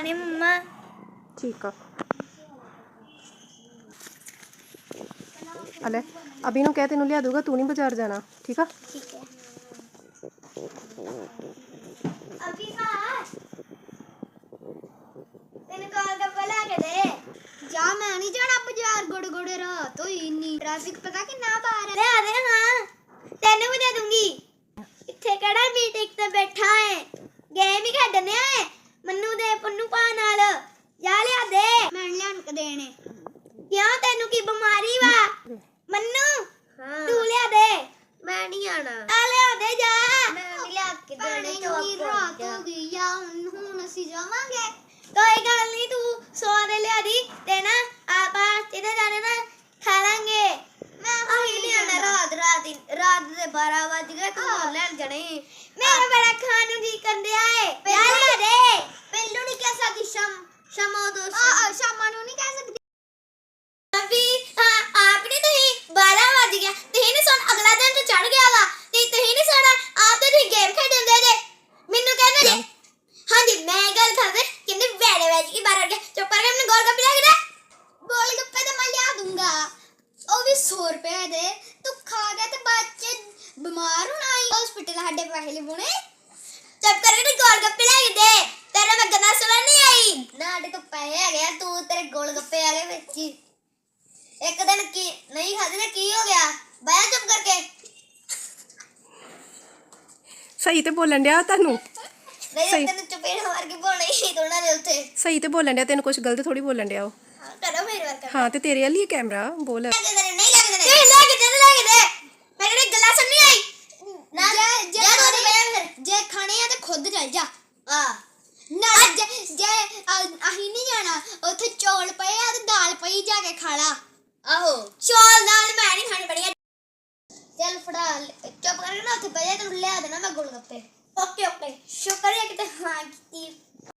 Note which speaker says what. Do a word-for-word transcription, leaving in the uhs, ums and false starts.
Speaker 1: खाने मम्मा।
Speaker 2: ठीक है अले अभी नु कह तेनू लिया दूंगा, तू नहीं बाजार जाना। ठीक है
Speaker 1: ठीक है अभी का तेन गोलगप्पे लेके दे जा। मैं नहीं जाना बाजार, गुड़ गुड़ रात होई इन्नी ट्रैफिक पता कितना बाहर है। ले आ दे। हां तेनू भी दे दूंगी। इत्थे केड़ा मीटिंग ते बैठा है, गेम ही खेडने आए। मन्नू दे पन्नू पा नाल जा लिया दे। मैं लियान के देने क्यों, तेनू की बीमारी वा मन्नू? हां तू लिया दे। मैं नहीं आना। आ लिया दे जा। मैं नहीं लिया के देने तो अब रात हो गई या हुन ਅਸੀਂ ਜਾਵਾਂਗੇ। कोई गल नहीं, तू सौ दे लिया दी ते ना आपा जिधर जाने ना खा लेंगे। मैं वही नहीं आना। रात रात रात दे बारह बज गए, तू लेन जाने। मेरा बड़ा खान नु जी करदे आए। जा लिया दे। पहलू नहीं कह सकदी शाम शामो दो हां शामा नु नहीं कह सकदी। अभी हां आपने तो ही बारह बज गया, ते नहीं सुन अगला दिन तो चढ़ गया वा ते ते नहीं सुना आप तो गेम खेडदे जे मेनू कहने जे। हां जी मैं गल कर दे किन्ने वेड़े वेज की बारह गया। चुप करके अपने गोलगप्पे ला के दे। गोलगप्पे तो मैं लिया दूंगा, ओ भी सौ रुपए दे। तू खा गया ते बाद च बीमार होना ही हॉस्पिटल हड्डे पैसे लेने। चुप करके गोलगप्पे ला के दे। तेरे में गंदा सुना नहीं आई ना, अड्डे तो पैसे आ गया। तू तेरे गोलगप्पे आ गए बेची। एक दिन की नहीं खाते ना की हो गया, बाया चुप करके।
Speaker 2: सही ते बोलन दिया तन्नू।
Speaker 1: नहीं तेन चपेड़ मार के बोलना ही दोना दे उते।
Speaker 2: सही ते बोलन दिया, तेन कुछ गलत थोड़ी बोलन दिया।
Speaker 1: हां करो मेरे वर्क।
Speaker 2: हां ते तेरे वाली कैमरा बोल।
Speaker 1: नहीं लगे दे नहीं लगे दे लगे दे। मेरे गल्ला सुन नहीं आई ना। जे जे दो फिर जे खाने आ ते खुद चल जा। हां ना जे जे अही नहीं जाना उथे चौल पए आ ते दाल पई जाके खा ला। आहो चौल दाल मैं नहीं खानी बढ़िया। चल फड़ा चुप करके ना उथे बजे तू ले आ देना मैं गोलगप्पे। ओके ओके शुक्र है कि ते हां की